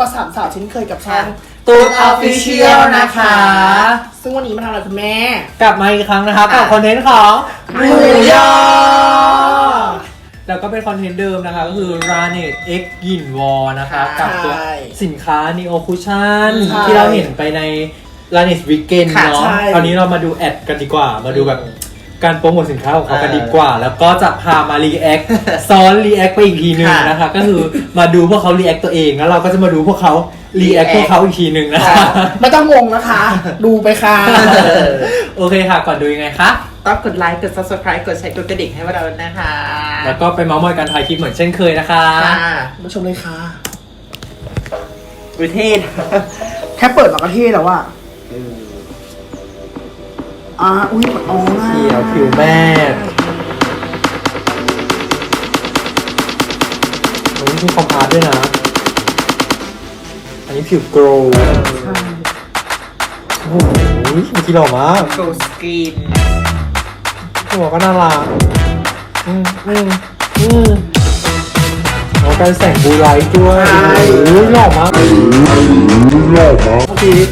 สามสาวเช่นเคยกับช่องตูนออฟฟิเชียลนะคะซึ่งวันนี้มาทำอะไรคุณแม่กลับมาอีกครั้งนะคะกับคอนเทนต์ของหมูยอแล้วก็เป็นคอนเทนต์เดิมนะคะก็คือ Ranet X Yin Wall นะคะกับตัวสินค้า Neo Cushion ที่เราเห็นไปใน Ranet Weekend เนาะคราวนี้เรามาดูแอดกันดีกว่ามาดูแบบการโปรโมทสินค้าของเขากันดีกว่าแล้วก็จะพามารีแอคซ้อนรีแอคไปอีกทีนึงนะคะก็คือมาดูพวกเขารีแอคตัวเองแล้วเราก็จะมาดูพวกเขารีแอคพวกเขาอีกทีนึงนะคะไม่ต้องงงนะคะ ดูไปค่ะโอเคค่ะก่อนดูยังไงคะต้องกดไลค์กด subscribe กดแชร์กดกระดิ่งให้เรานะคะแล้วก็ไปเมาส์มอยการถ่ายคลิปเหมือนเช่นเคยนะคะมาชมเลยค่ะประเทศแค่เปิดมาก็เท่แล้วอะอุ้ยอ๋อเขียวผิวแม่โอ้ยมีคอมพาร์ตด้วยนะอันนี้ผิวโกลว์โอ้โหมีกี่หล่อมากโกลสกินหัวก็น่ารักแล้วการแสงบูไลท์ด้วยโอ้ยหล่อมากเมื่อกี้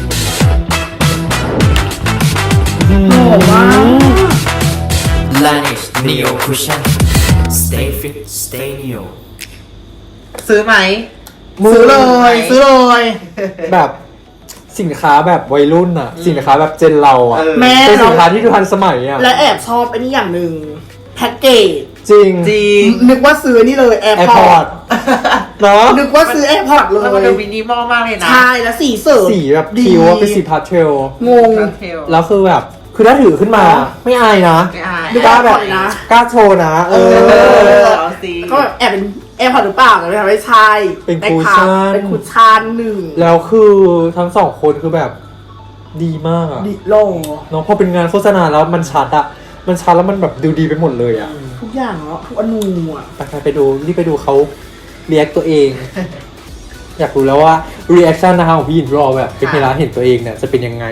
หล่อมาก Laneige Neo Cushion Stay Fit Stay Neo ซื้อไหมซื้อเลยซื้อเลยแบบสินค้าแบบวัยรุ่นอะสินค้าแบบเจนเราอะแม่เป็นสินค้าที่ดูทันสมัยอะและแอบชอบไอ้นี่อย่างหนึ่งแพ็กเกจจริงนึกว่าซื้อนี่เลยแอร์พอร์ตเนาะนึกว่าซื้อแอร์พอร์ตเลยแล้วมันดูมินิมอลมากเลยนะใช่แล้วสีเสริมสีแบบคิวเป็นสีพาสเทลงงแล้วคือแบบคือถ้าถือขึ้นมาไม่อายนะกล้าแบบกล้าโชว์นะก็แบบแอบเป็นแอร์พอร์ตหรือเปล่าแต่ไม่ใช่เป็นคูชั่นเป็นคูชั่นหนึ่งแล้วคือทั้งสองคนคือแบบดีมากอะดีโลเนาะพอเป็นงานโฆษณาแล้วมันชัดอะมันชัดแล้วมันแบบดูดีไปหมดเลยอะทุกอย่างเนาะทุกอนูอะไปดูรีบไปดูเขาเรียกตัวเอง อยากรู้แล้วว่า reaction นะคะของพี่หยินรอแบบเป็นเวลาเห็นตัวเองเนี่ยจะเป็นยังไง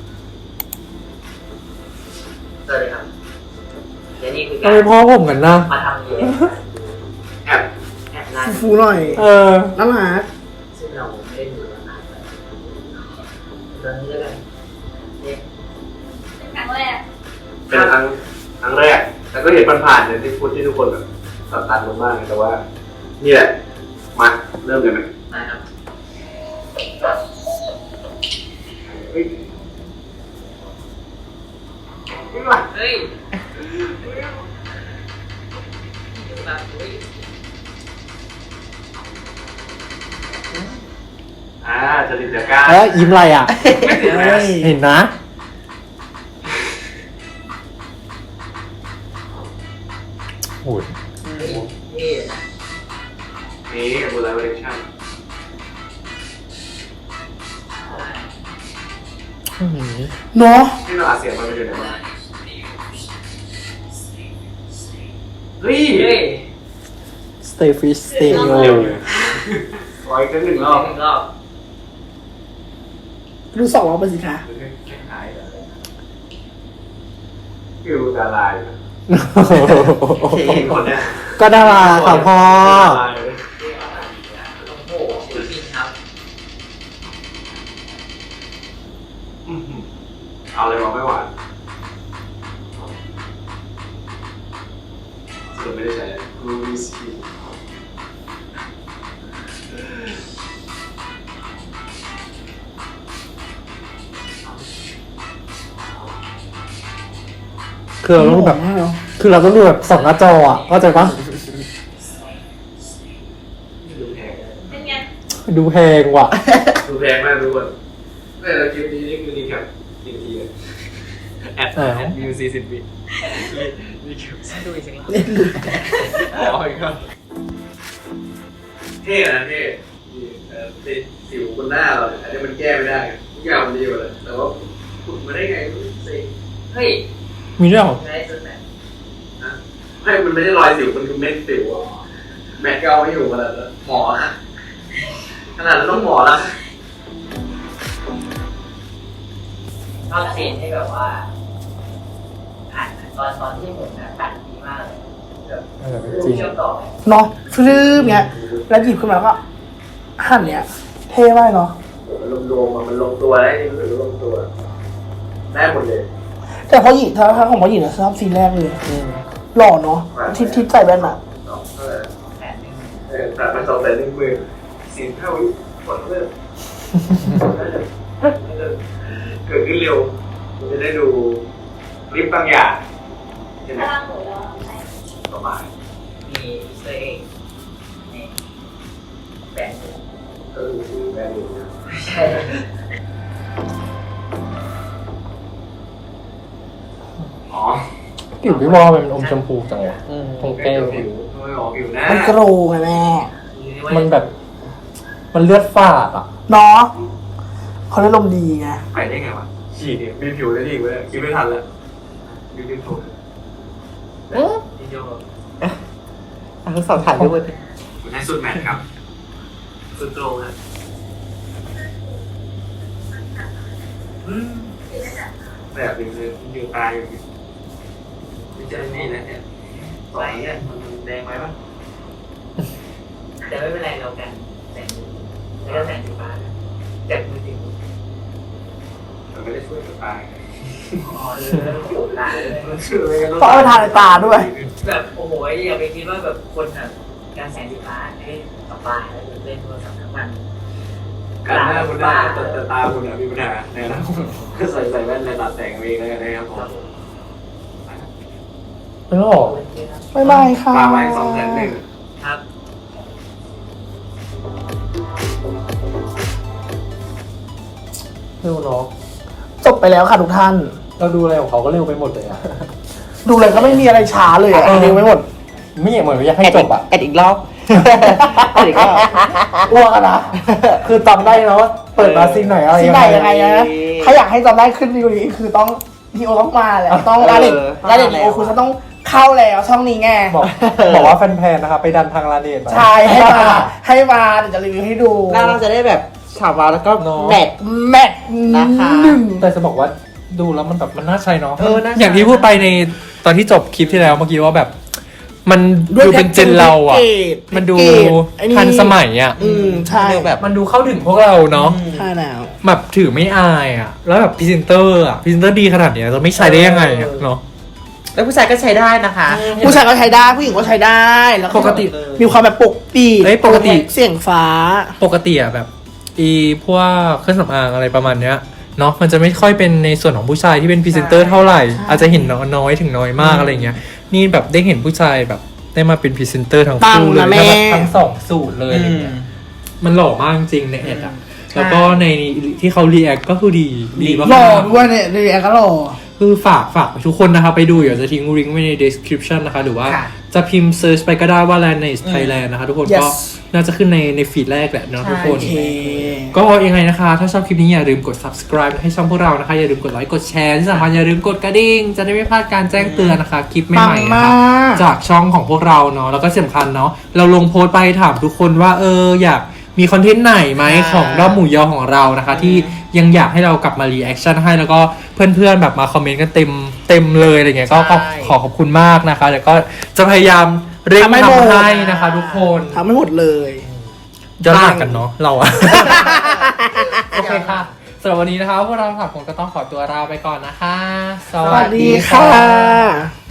สวัสดีครับและนี่คือทำไมพ่อผมกันนะมาทำนี้แอบนั่งฟูหน่อยน่ารักซึ่งเราไม่ได้ดูมานานเลยตอนนี้แล้วกันนี่ครั้งแรกเป็นครั้งแรกแต่ก็เห็นผ่านๆเนี่ยที่พูดที่ทุกคนแบบตัดลงมากแต่ว่านี่แหละมาเริ่มเลยไหมนะครับเฮ้ยเฮ้ยแบบจะติดจากการยิ้มอะไรอ่ะเห็นนะโอ้ยนี่บูไลเวอร์ชั่นเนาะที่เราอาเสียงมันไปอยู่ไหนวะเฮ้ย Stay Fit Stay Neo ขออีกหนึ่งรอบดู2 รอบไปสิคะฟิวดาราอยู่คนเนี้ยก็ดาราค่ะพ่อเอาเลยบอกไม่หวานสรุปไม่ได้ใช้รูบิสกี้คือเราต้องแบบดูแบบส่องหน้าจออ่ะเข้าใจปะดูแพงว่ะดูแพงมากทุกคนแต่เราคลิปนี้นี่คือดีครับจริงๆเลยแอดวิว40 วินี่คลิปดูอีกสักรอบอ๋ออีกครับเท่นะเท่ติดสิวบนหน้าเราอันนี้มันแก้ไม่ได้ทุกอย่างมันดีหมดเลยแต่ว่าขุดมาได้ไงสิเฮ้ยมีด้วยเหรอได้สุดแบบไม่มันไม่ได้รอยสิวมันคือเม็ดสิวแม็กก็เอาไม่อยู่มาแล้วหมอขนาดนั้นต้องหมอแล้วชอบซีนที่แบบว่าตอนที่ผมตัดดีมากเลยจริงเชื่อมต่อเนาะฟลื้มเงี้ยแล้วหยิบขึ้นมาก็หั่นเนี้ยเท่มากเนาะมันลงตัวมันลงตัวได้ที่รู้สึกลงตัวได้หมดเลยแต่พอหญิงถ้าของพอหญิงนะชอบซีนแรกเลยหล่อเนาะทิปใส่แว่นอะตัดมา210,000สินเท่าผลเลิกเกิดขึ้นเร็วมันจะได้ดูคลิปบางอย่างใช่ไหมประมาณมีเซอร์เองนี่แบนก็คือแบรนด์นะใช่อ๋อผิวพี่วอมันอมชมพูจังวะตรงแก้มผิวไม่ออกผิวหน้ามันโกรไงแม่มันแบบ มันเลือดฝาดอ่ะเนาะเขาได้ลมดีไงไปได้ไงวะฉีดเนี่ยมีผิวได้ดีเว้ยคิดไม่ทันแล้วดูดิถูกพี่โจทั้งสองถ่ายด้วยผมให้สุดแมทครับสุดโตรงครับแบบนึงเลยอยู่ตายอยู่ไม่ใช่นี่นะเนี่ยต่อเนี่ยมันแดงไหมวะแต่ไม่เป็นไรเรากันแสงแล้วก็แสงสีฟ้าจากมือถือมันไม่ได้ช่วยกับตายอ๋อตาเลยมันช่วยเพราะเอาไปทาในตาด้วยแบบโอ้โหอย่าไปคิดว่าแบบคนแบบการแสงสีฟ้าให้สบายแล้วเล่นโทรศัพท์ทั้งวันการหน้าคุณหน้าแต่ตาคุณมีปัญหาเนี่ยนะก็ใส่แว่นในตาแสงเองแล้วกันนะครับผมไม่หรอกบ๊ายบายค่ะปาไว้201,000 ครับเร็วเนาะจบไปแล้วค่ะทุกท่านเราดูอะไรของเขาก็เร็วไปหมดเลยอ่ะดูเลยก็ไม่มีอะไรช้าเลยอะเออเร็วไม่หมดไม่อยากเหมือนอยากให้จบอ่ะแอดอีกรอบแอดอีกรอบอ้วกอะนะคือจำได้เนาะเปิดมาซีนไหนอะไรที่ยังไหนไงยังไงนะถ้าอยากให้จำได้ขึ้นดีกว่านี้คือต้องนีโอต้องมาแหละต้องร้านเด็ดนีโอคุณจะต้องเข้าแล้วช่องนี้ไงบอกว่าแฟนๆนะคะไปดันทางลาเนตใช่ให้มาเดี๋ยวจะรีวิวให้ดูแล้วเราจะได้แบบฉาบวาวแล้วก็แมทแมทนะคะหนึ่งแต่จะบอกว่าดูแล้วมันแบบมันน่าใช้เนาะเออน่าใช้อย่างที่พูดไปในตอนที่จบคลิปที่แล้วเมื่อกี้ว่าแบบ มันดูเป็นเจนเราอ่ะ มันดูทันสมัยอ่ะใช่แบบมันดูเข้าถึงพวกเราเนาะใช่แล้วแบบถือไม่อายอ่ะ แล้วแบบพรีเซนเตอร์อ่ะพรีเซนเตอร์ดีขนาดเนี้ยจะไม่ใช้ได้ยังไงอ่ะเนาะแล้วผู้ชายก็ใช้ได้นะคะผู้ชายก็ใช้ได้ผู้หญิงก็ใช้ได้แล้วปกติมีความแบบปกปีเอ้ยปกติเสียงฟ้าปกติอ่ะแบบพวกเครื่องสำอางอะไรประมาณเนี้ยเนาะมันจะไม่ค่อยเป็นในส่วนของผู้ชายที่เป็นพรีเซนเตอร์เท่าไหร่ อาจจะเห็นน้อยถึงน้อยมากอะไรเงี้ยนี่แบบได้เห็นผู้ชายแบบได้มาเป็นพรีเซนเตอร์ทั้งคู่เลยแล้วแบบทั้งสองสูตรเลยอะไรเงี้ยมันหล่อมากจริงในแอดอ่ะแล้วก็ในที่เขารีแอคก็คือดีมากหล่อด้วยเนี่ยเรียกก็หล่อคือฝากทุกคนนะคะไปดูเดี๋ยวจะทิ้งลิงก์ไว้ใน description นะคะหรือว่าค่ะจะพิมพ์ search ไปก็ได้ว่า Laneige Thailand นะคะทุกคน Yes ก็น่าจะขึ้นในฟีดแรกแหละเนาะทุกคนโอเคก็ยังไงนะคะ ถ้าชอบคลิปนี้อย่าลืมกด subscribe ให้ช่องพวกเรานะคะ อย่าลืมกดไลค์กดแชร์ที่สำคัญอย่าลืมกดกระดิ่งจะได้ไม่พลาดการแจ้งเตือนนะคะ คลิปใหม่ๆนะคะปังมากจากช่องของพวกเราเนาะแล้วก็สำคัญเนาะเราลงโพสต์ไปถามทุกคนว่าอยากมีคอนเทนต์ไหนไหมของรอบหมู่ยอของเรานะคะ ที่ยังอยากให้เรากลับมารีแอคชั่นให้แล้วก็เพื่อนๆแบบมาคอมเมนต์กันเต็มเลยอะไรเงี้ยก็ขอขอบคุณมากนะคะแล้วก็จะพยายามเร่งทำให้นะคะ ทุกคนทำไม่หมดเลยย้อนหลังกันเนาะเราอะ โอเคค่ะสำหรับวันนี้นะคะพวกเราสามคนก็ต้องขอตัวลาไปก่อนนะคะสวัสดีค่ะ